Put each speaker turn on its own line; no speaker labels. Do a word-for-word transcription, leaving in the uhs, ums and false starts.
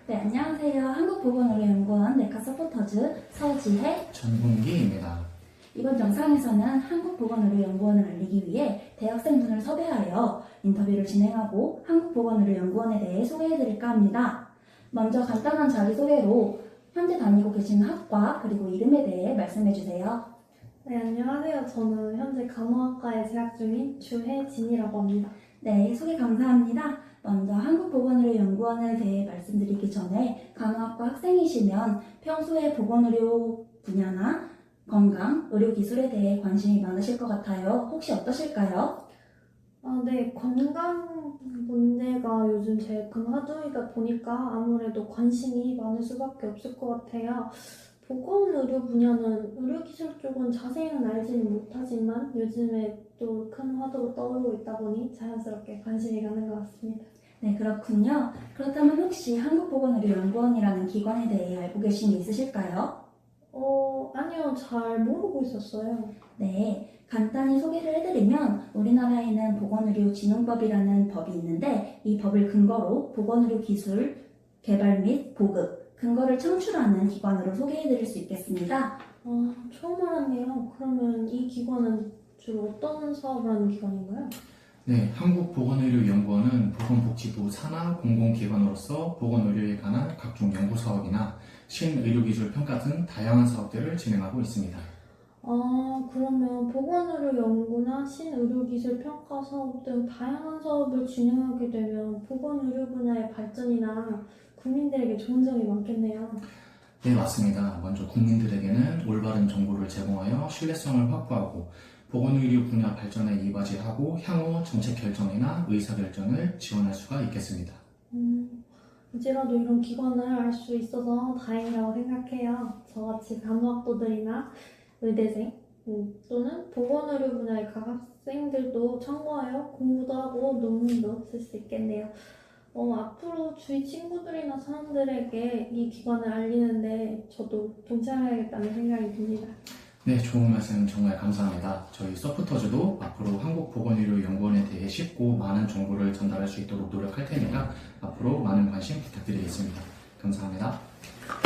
네, 안녕하세요. 한국보건의료연구원 내과 서포터즈 서지혜,
전문기입니다.
이번 영상에서는 한국보건의료연구원을 알리기 위해 대학생분을 섭외하여 인터뷰를 진행하고 한국보건의료연구원에 대해 소개해드릴까 합니다. 먼저 간단한 자기소개로 현재 다니고 계시는 학과 그리고 이름에 대해 말씀해주세요.
네, 안녕하세요. 저는 현재 간호학과에 재학 중인 주혜진이라고 합니다.
네, 소개 감사합니다. 먼저 한국보건의료연구원에 대해 말씀드리기 전에 간호학과 학생이시면 평소에 보건의료 분야나 건강, 의료기술에 대해 관심이 많으실 것 같아요. 혹시 어떠실까요?
아, 네, 건강 문제가 요즘 제일 큰 화두이다 보니까 아무래도 관심이 많을 수밖에 없을 것 같아요. 보건의료 분야는 의료기술 쪽은 자세히는 알지는 못하지만 요즘에 또 큰 화두로 떠오르고 있다 보니 자연스럽게 관심이 가는 것 같습니다.
네, 그렇군요. 그렇다면 혹시 한국보건의료연구원이라는 기관에 대해 알고 계신 게 있으실까요?
어, 아니요, 잘 모르고 있었어요.
네, 간단히 소개를 해드리면 우리나라에는 보건의료진흥법이라는 법이 있는데 이 법을 근거로 보건의료 기술 개발 및 보급, 근거를 창출하는 기관으로 소개해드릴 수 있겠습니다.
아, 처음 알았네요. 그러면 이 기관은 주로 어떤 사업을 하는 기관인가요?
네, 한국보건의료연구원은 보건복지부 산하 공공기관으로서 보건의료에 관한 각종 연구사업이나 신의료기술 평가 등 다양한 사업들을 진행하고 있습니다.
아, 그러면 보건의료 연구나 신의료기술 평가 사업 등 다양한 사업을 진행하게 되면 보건의료 분야의 발전이나 국민들에게 좋은 점이 많겠네요.
네, 맞습니다. 먼저 국민들에게는 올바른 정보를 제공하여 신뢰성을 확보하고 보건의료 분야 발전에 이바지하고 향후 정책 결정이나 의사결정을 지원할 수가 있겠습니다.
음, 이제라도 이런 기관을 알 수 있어서 다행이라고 생각해요. 저같이 간호학도들이나 의대생 음, 또는 보건의료 분야의 각 학생들도 참고하여 공부도 하고 논문도 쓸 수 있겠네요. 어, 앞으로 주위 친구들이나 사람들에게 이 기관을 알리는데 저도 동참해야겠다는 생각이 듭니다.
네, 좋은 말씀 정말 감사합니다. 저희 서포터즈도 앞으로 한국보건의료연구원에 대해 쉽고 많은 정보를 전달할 수 있도록 노력할 테니까 앞으로 많은 관심 부탁드리겠습니다. 감사합니다.